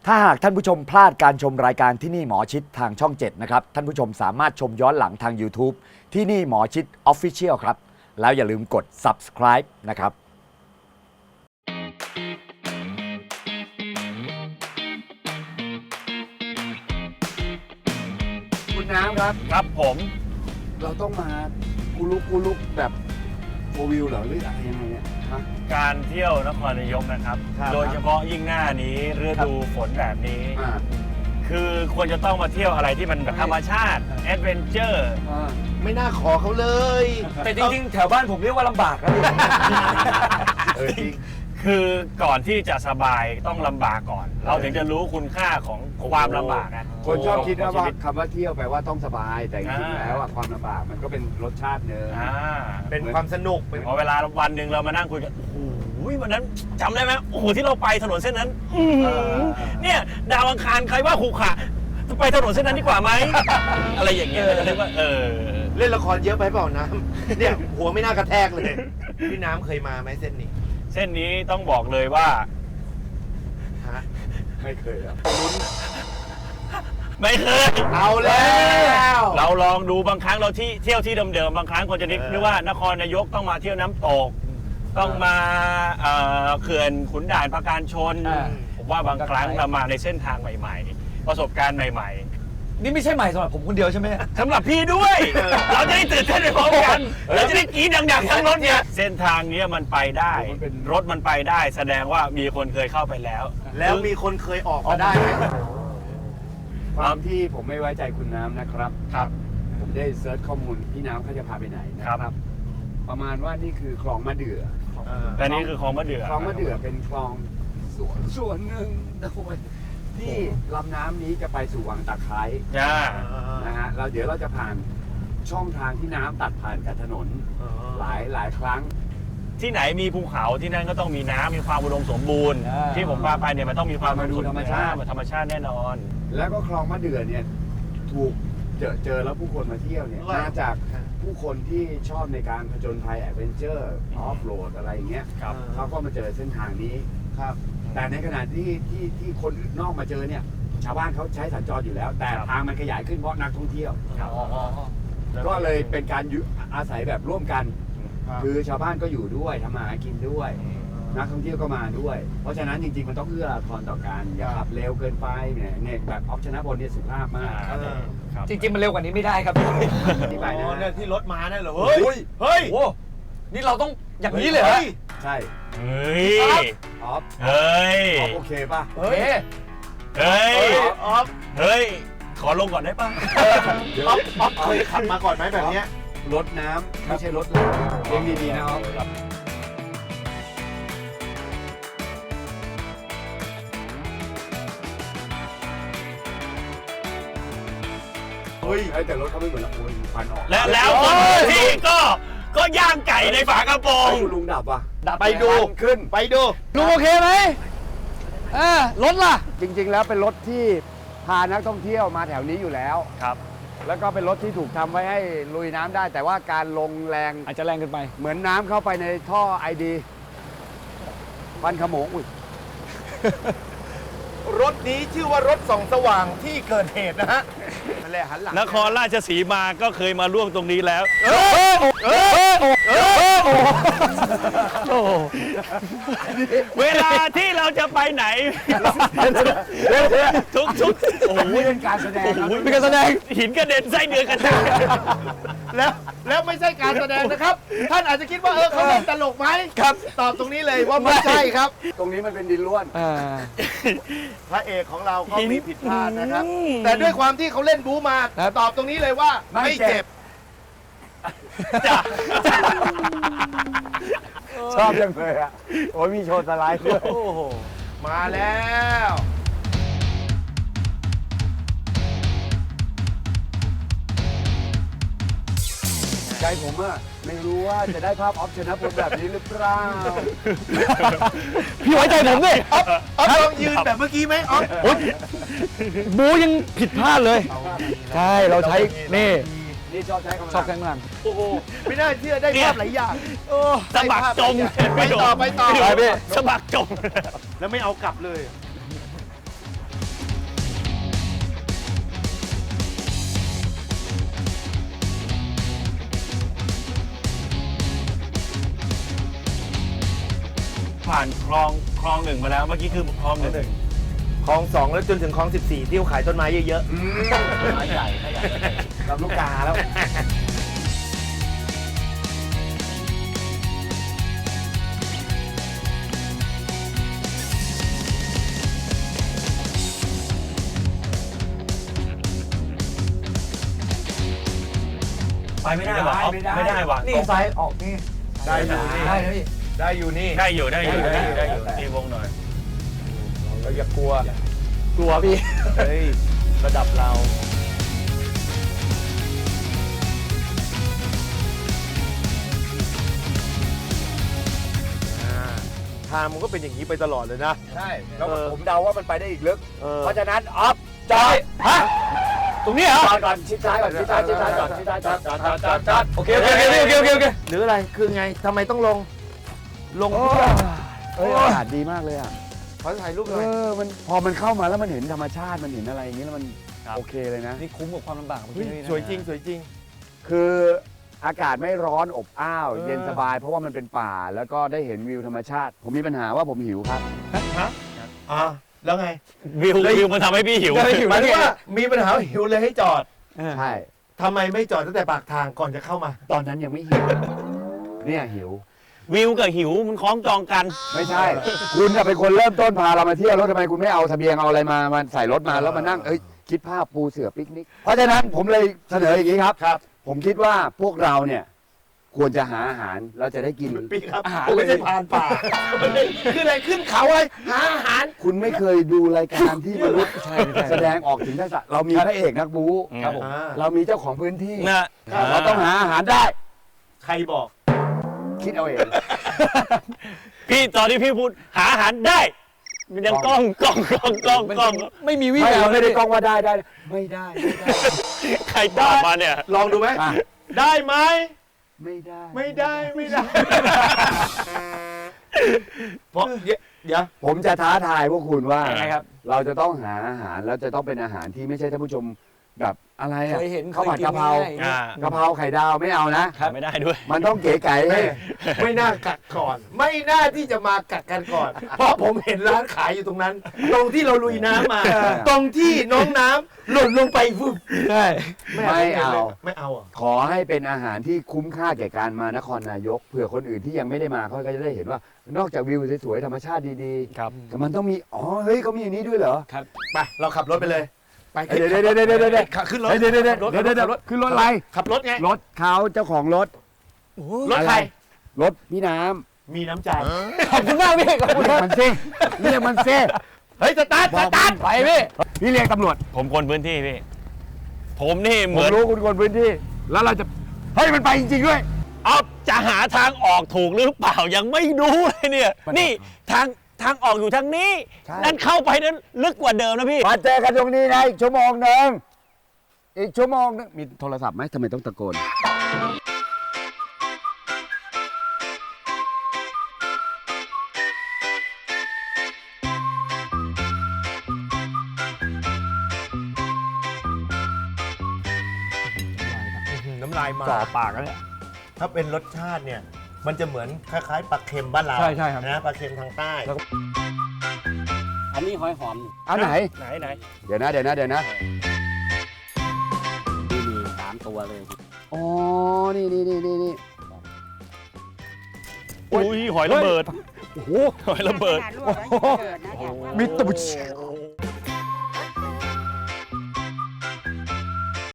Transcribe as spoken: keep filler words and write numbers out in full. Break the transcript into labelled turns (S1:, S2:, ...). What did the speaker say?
S1: ถ้าหากท่านผู้ชมพลาดการชมรายการที่นี่หมอชิดทางช่องเจ็ดนะครับท่านผู้ชมสามารถชมย้อนหลังทาง YouTube ที่นี่หมอชิด Official ครับแล้วอย่าลืมกด Subscribe นะครับคุณน้ำครับ
S2: ครับผม
S1: เราต้องมากูลุกกูลุกแบบโฟวิวเหรอหรืออะไรยังไงเนี่ยฮะ
S2: การเที่ยวนครนายกนะครับ
S1: ครับ
S2: โดยเฉพาะยิ่งหน้านี้ฤดูฝนแบบนี้
S1: อ่า
S2: คือควรจะต้องมาเที่ยวอะไรที่มันแบบธรรมชาติแอดเวนเจอร์
S1: อ่า
S3: ไม่น่าขอเขาเลย
S1: แต่จริงๆแถวบ้านผมเรียกว่าลำบากนะเออจริง
S2: คือก่อนที่จะสบายต้องลำบากก่อน เราถึงจะรู้คุณค่าของความลำบากนะ
S1: คนชอบคิดว่า
S2: ของชีวิต
S1: คำว่าเที่ยวแปลว่าต้องสบาย แต่จริงๆ
S2: อ่า
S1: แล้วอะความลำบากมันก็เป็นรสชาติเนื้อ
S2: อ่า
S3: เป็นความสนุกเป็น
S2: พอเวลาวันหนึ่งเรามานั่งคุยกันโอ้โหวันนั้นจำได้ไหมโอ้โหที่เราไปถนนเส้นนั้นอื้อหือเนี่ยดาวอังคารใครว่าขรุขระไปถนนเส้นนั้นดีกว่าไหม อะไรอย่างเงี้ยเรียกว่าเออ
S3: เล่นละครเยอะไปเปล่าน้ำ เนี่ยหัวไม่น่ากระแทกเลย พี่น้ำเคยมาไหมเส้นนี้
S2: เส้นนี้ต้องบอกเลยว่า
S3: ฮะ
S1: ไม่เคยครับ
S2: ไม่เคย
S3: เอาแล้ว
S2: เราลองดูบางครั้งเราที่เที่ยวที่เดิมๆบางครั้งคนจะนึก
S3: เออ
S2: นึกว่านครนายกต้องมาเที่ยวน้ำตก ต้องมาเอ่อเขื่อนขุนด่านปราการชน ผมว่าบางครั้งเรามาในเส้นทางใหม่ๆ ประสบการณ์ใหม่
S1: นี่ไม่ใช่ใหม่สำหรับผมคนเดียวใช่ไหม
S2: ๆสำหรับพี่ด้วย เราจะได้ตื่นเต้นไปพร้อมกัน เราจะได้กรี๊ดดังๆทั้งรถเนี่ยเส้นทางเนี้ยมันไปได้ รถมันไปได้ แสดงว่ามีคนเคยเข้าไปแล้ว
S3: แล้วมีคนเคยออกมาได้ไหม
S1: ความที่ผมไม่ไว้ใจคุณน้ำนะครับ
S2: ครับ
S1: ผมได้เซิร์ชข้อมูลพี่น้ำเขาจะพาไปไหนนะ
S2: ค
S1: ค
S2: รั
S1: รับ บ ประมาณว่านี่คือคลองมะเดื่อ
S2: แต่นี่คือคลองมะเดื่อ
S1: คลองมะเดื่อเป็นคลองส่วนส่วนหนึ่งที่ลำน้ำนี้จะไปสู่วังตะไคร้
S2: จ้า
S1: นะฮะเราเดี๋ยวเราจะผ่านช่องทางที่น้ำตัดผ่านกับถนนหลายหลายครั้ง
S2: ที่ไหนมีภูเขาที่นั่นก็ต้องมีน้ำมีความอุดมสมบูรณ์
S1: อ่า
S2: ที่ผมพาไปเนี่ยมันต้องมีความ
S1: มาดูธรรมชาติ
S2: ธรรมชาติแน่นอน
S1: แล้วก็คลองมะเดื่อเนี่ยถูกเจอเจอแล้วผู้คนมาเที่ยวเนี่ย
S3: ว่า
S1: มาจากผู้คนที่ชอบในการผจญภัยแอดเวนเจอร์ออฟโรดอะไรอย่างเงี้ย
S2: ครับ
S1: เขาก็มาเจอเส้นทางนี้
S3: ครับ
S1: แต่ในขณะที่ที่ที่คนอื่นนอกมาเจอเนี่ยชาวบ้านเขาใช้สัญจรอยู่แล้ว แต่
S2: ครับ
S1: ทางมันขยายขึ้นเพราะนักท่องเที่ยว
S2: ครับ
S1: ก็เลยเป็นการอยู่อาศัยแบบร่วมกัน
S3: ครับ
S1: คือชาวบ้านก็อยู่ด้วยทำมาหากินด้วย นักท่องเที่ยวก็มาด้วย เพราะฉะนั้นจริงๆมันต้องเอื้ออาทรต่อกันอย่าขับเร็วเกินไปเนี่ยเนี่ยแบบออฟชนะบนเนี่ยสุภาพมาก
S2: ครับครับ
S4: จริงๆ มันเร็วกว่านี้ไม่ได้ครับ
S1: ที่ไป
S3: อ๋
S1: นะ
S3: อเนี่ย
S1: ฮะ
S3: ที่รถมาเนี่ยเหรอ เฮ้ย เฮ้ย
S4: โอ้นี่เราต้องอย่างนี้เลยเหรอ
S3: ฮ้
S1: ใช่
S2: เฮ้ย
S1: ออฟ
S2: เฮ้ย
S1: ออฟโอเคป่ะ
S4: เฮ้ย
S2: เฮ้ย
S3: เฮ้ยออฟ
S2: เฮ้ย ขอลงก่อนได้ป่ะ
S3: ออฟออฟเคยขับมาก่อนไหมแบบเนี้ย
S1: รถน้ำไม่ใช่รถเราเลี้ยงดีๆนะออฟ
S3: เฮ้ย
S1: เอ้ยแต่รถเขาไม่เหมือนเราโอ้ยควันออก
S2: และแล้วคนที่ก็ก็ย่างไก่ในฝากระโปรง
S1: เฮ้ยลุงดับว่ะ
S4: ดับ
S3: ไปดู
S1: ควันขึ้น
S3: ไปดู
S4: ลุงโอเคไหมอ่ารถล่ะ
S1: จริงๆ แล้วเป็นรถที่พานักท่องเที่ยวมาแถวนี้อยู่แล้ว
S2: ครับ
S1: แล้วก็เป็นรถที่ถูกทำไว้ให้ลุยน้ำได้ แต่ว่าการลงแรง
S4: อาจจะแรงเกินไป
S1: เหมือนน้ำเข้าไปในท่อไอดีควันขโมงอุ้ย
S3: รถนี้ชื่อว่ารถส่องสว่างที่เกิดเหตุนะฮะนั่นแหละหันหลัง
S2: นครราชสีมาก็เคยมาร่วมตรงนี้แล้ว เวลาที่เราจะไปไหน ทุกทุกๆโอ้โห
S1: นี่เป็นการแสดงครับ
S4: เป็นการแสดง
S2: หินกระเด็นไส้เดือนกระเด็น
S3: แล้วแล้วไม่ใช่การแสดงนะครับ ท่านอาจจะคิดว่าเออเขาเล่นตลกไหมครับ ตอบตรงนี้เลยว่าไม่ใช่ครับ
S1: ตรงนี้มันเป็นดินล้วน
S4: อ่า
S3: พระเอกของเราก็มีผิดพลาดนะครับ แต่ด้วยความที่เขาเล่นบู๊มา ตอบตรงนี้เลยว่า
S1: ไม่
S3: ไม่
S1: เจ็
S3: เจ็
S1: บ
S3: บ
S1: ชอบยังเลยอ่ะ โอ้ยมีโชว์สไลด์ด้วย
S3: โอ้โห มาแล้ว
S1: ใจผมอะไม่รู้ว่าจะได้ภาพออฟชนะบนแบบนี้หรือเปล่า
S4: พี่ไว้ใจผมดิ
S3: ออฟออฟลองยืนแบบเมื่อกี้ไหมออฟ
S4: โอ๊ยบูยังผิดพลาดเลย ใช่ เราใช้ นี่
S1: นี่ชอบใช้คำ
S4: ชอบแข้งหลัง
S3: โอ้โห ไม่น่าเชื่อได้ภาพหลายอย่าง
S2: สะบักจม
S3: ไปต่อไปต่อ
S2: ม่โดนสะบักจม
S3: แล้วไม่เอากลับเลย
S2: ผ่านคลองคลองหนึ่งมาแล้วเมื่อกี้คือคลองหนึ่ง
S3: คลองสองแล้วจนถึงคลองสิบสี่ที่เขาขายต้นไม้เยอะ
S1: ไม้ใหญ่ไม้ใหญ่ลำลูกกาแล้ว
S2: ไปไม่ได้ว่ะไม่ได้ไม่ได้ว่ะ
S1: นี่ซ้ายออกนี่
S3: ๆ ได้อยู่นี่
S1: ได้นะพี่
S3: ได้อยู่นี่
S2: ได้อยู่ได้อยู่ได้อยู่ได้อยู่
S1: ได้
S2: ตีวงหน่อย
S3: เราอย่ากลัว
S1: กลัวพี่
S3: เฮ้ย ระดับเรา ทางมันก็เป็นอย่างนี้ไปตลอดเลยนะ
S1: ใช่แล้ว
S3: เออ
S1: ผมเดาว่ามันไปได้อีกลึก
S3: เออ
S1: เพราะฉะนั้นออฟจอยฮะ
S4: ตรงนี้เหรอ
S1: จอดก่อนชิดซ้ายก่อนชิดซ้ายชิดซ้ายก่อนชิดซ้ายจอดจอดจอดจอดจอด
S4: โอเคโอเคโอเคโอเคโอเคโอเค
S3: หรืออะไร คือไง ทำไมต้องลง ลง
S1: โอ้
S3: เพื่อ
S1: เอ้ยอากาศดีมากเลยอ่ะ
S3: ขอถ่ายรูปห
S1: เอ
S3: น่อย
S1: อมันพอมันเข้ามาแล้วมันเห็นธรรมชาติมันเห็นอะไรอย่างนี้แล้วมันโอเคเลยนะ
S4: นี่คุ้มกับความลำบากของ
S3: เฮ้ย
S4: ที่นี่นะ
S3: สวยจริง สวยจริง
S1: คืออากาศไม่ร้อนอบอ้าว
S3: เออ
S1: เย็นสบาย เพราะว่ามันเป็นป่าแล้วก็ได้เห็นวิวธรรมชาติ ผมมีปัญหาว่าผมหิวครับ
S3: ฮะอ่าแล้วไง
S2: วิววิวมันทำให้พี่หิว
S3: หมายถึงว่ามีปัญหาหิวเลยให้จอด
S1: ใช่
S3: ทำไมไม่จอดตั้งแต่ปากทางก่อนจะเข้ามา
S1: ตอนนั้นยังไม่หิว เนี่ยหิว
S2: วิวกับหิวมันคล้องจองกัน
S1: ไม่ใช่ คุณจะเป็นคนเริ่มต้นพาเรามาเที่ยวแล้วทำไมคุณไม่เอาเสบียงเอาอะไรมามาใส่รถมาแล้วมานั่งเอ้ยคิดภาพปูเสือปิกนิก เพราะฉะนั้นผมเลยเสนออย่างนี้ครับ
S3: ครับ
S1: ผมคิดว่าพวกเราเนี่ยควรจะหาอาหารแล้วจะได้กิน
S3: ปีครับ
S1: อาหาร
S3: ผมไม่ใช่พรานป่าขึ้นอะไรขึ้นเขาเลยหาอาหาร
S1: คุณไม่เคยดูรายการที่มนุษย์แสดงออกถึงทักษะเรามีพระเอกนักบู๊
S2: ครับผม
S3: อ่า
S1: เรามีเจ้าของพื้นที่
S2: นะ
S1: เราต้องหาอาหารได้
S3: ใครบอก
S1: คิดเอาเอง
S2: พี่ตอนที่พี่พูดหาอาหารได้ มันยังกล้องกล้องกล้องกล้องกล้อง
S4: ไม่มีวิ่ง
S1: ไม่
S4: เล
S1: เรา
S4: ย
S1: ไม่ได้กล้องว่าได้ได้ ไม่ได้ไม่ได้
S2: ใครตอบมาเนี่ย
S3: ลองดูไหม
S1: อ่ะ
S3: ได้ไหม
S1: ไม่ได้
S3: ไม่ได้ไม่ได้เพราะเดี๋ยวเดี๋ยว
S1: ผมจะท้าทายพวกคุณว่า
S2: ยังไงครับ
S1: เราจะต้องหาอาหารแล้วจะต้องเป็นอาหารที่ไม่ใช่ท่านผู้ชมแบบอะไรอะ
S4: เคยเห็น
S1: ข้าวผัด
S4: เคยกิน
S1: กะเพรา
S4: ง่ายๆ
S2: อ่าก
S1: ะเพราไข่ดาวไม่เอานะ
S2: ไม่ได้ด้วย
S1: มันต้องเก๋ไก่ให้
S3: ไม่น่ากัดก่อน ไม่น่าที่จะมากัดกันก่อน เพราะผมเห็นร้านขายอยู่ตรงนั้น ตรงที่เราลุยน้ำมา ตรงที่น้องน้ำหล่นลงไปฟึบ
S4: ใช่
S1: ไม่เอา
S3: ไม่เอาอ่ะ
S1: ขอให้เป็นอาหารที่คุ้มค่าแก่การมานครนายกเผื่อคนอื่นที่ยังไม่ได้มาเขาก็จะได้เห็นว่า นอกจากวิวสวยๆธรรมชาติดี
S2: ครับ
S1: ๆแต่มันต้องมีอ๋อเฮ้ยเขามีอย่างนี้ด้วยเหรอ
S3: ไปเราขับรถไปเลย ไป
S1: เดี๋ยวเดี๋ยวเดี๋ยวเดี๋ยวเดี๋ยว
S3: ขับขึ้นรถ
S1: เดี๋ยวเดี๋ยวเดี๋ยวเดี๋ยวเดี๋ยวเดี๋ยวขึ้นรถอะไร
S3: ขับรถไง
S1: รถเขาเจ้าของรถ
S3: รถใคร
S1: รถพี่น้
S3: มีน้ำใจ
S4: ขอบคุณมากพี่ขอบ
S1: ำ
S4: คุณ
S1: เรีย
S4: ค
S1: ก
S4: รับ
S1: มันซิเรียกมันซิ
S3: เฮ้ยสตาร์ทสตาร์ท
S1: ไปพี่พี่เรียกตำรวจ
S2: ผมคนพื้นที่พี่ ผมนี่เห
S1: ผม
S2: มือน
S1: รู้คุณคนพื้นที่ แล้วเราจะเฮ้ยมันไปจริงๆด้วย
S2: เอาจะหาทางออกถูกหรือเปล่ายังไม่รู้เลยเนี่ย นี่ทางทางออกอยู่ทางนี้
S1: ใช่
S2: นั่นเข้าไปนั้นลึกกว่าเดิมนะพี่
S1: มาเจอกันตรงนี้นะอีกชั่วโมงหนึ่งอีกชั่วโมงนึงมีโทรศัพท์ไหมทำไมต้องตะโกน
S3: น้ำลายมา
S4: จ่อปากแล้วเนี่ย
S3: ถ้าเป็นรสชาติเนี่ย มันจะเหมือนคล้ายๆปลาเค็มบ้านเรา
S4: ใช่ใช่ครับ
S3: นะปลาเค็มทางใต้
S5: อันนี้หอยหอม
S1: อันไหน
S2: ไหนไหน
S1: เดี๋ยวนะเดี๋ยวนะเดี๋ยวนะ
S5: ที่มีสามตัวเลย
S1: อ๋อ นี่นี่นี่นี่นี่
S2: อุ้ยหอยระเบิด
S1: โอ้โห
S2: หอยระเบิด
S1: มีตุ่ม